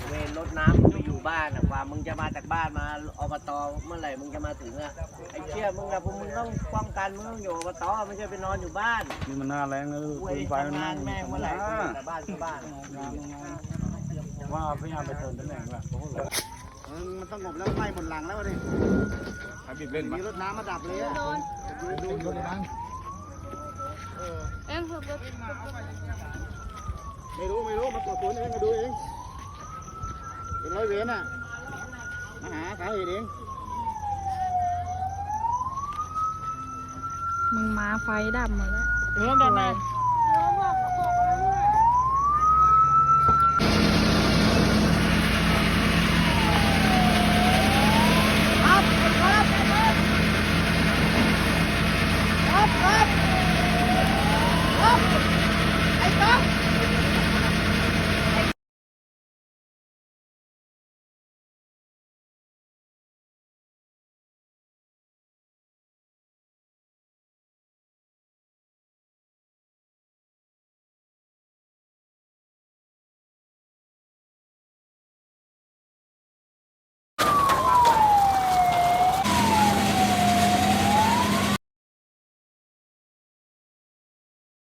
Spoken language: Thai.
เวรรถน้ำมึงไปอยู่บ้านกว่ามึงจะมาจากบ้านมาอบตเมื่อไหร่มึงจะมาถึงอะไอ้เชี่ยมึงนะพวกมึงต้องป้องกันมึงต้องอยู่อบตไม่ใช่ไปนอนอยู่บ้านนี่มันหน้าแรงนะเว้ยไฟมันทำงานแม่งเมื่อไหร่แต่บ้านก็บ้านว่าพยายามไปเติมตำแหน่งว่ะมันสงบแล้วไฟหมดหลังแล้วดิใครบีบเล่นมีรถน้ำมาดับเลยอะดูในบ้านไม่รู้มาตรวจสวนเองมาดูเองเป็นร้อยเวรน่ะมาหาสาเหตุเองมึงมาไฟดับหมดแล้วเรื่องดับไหมไอ้ต๊อก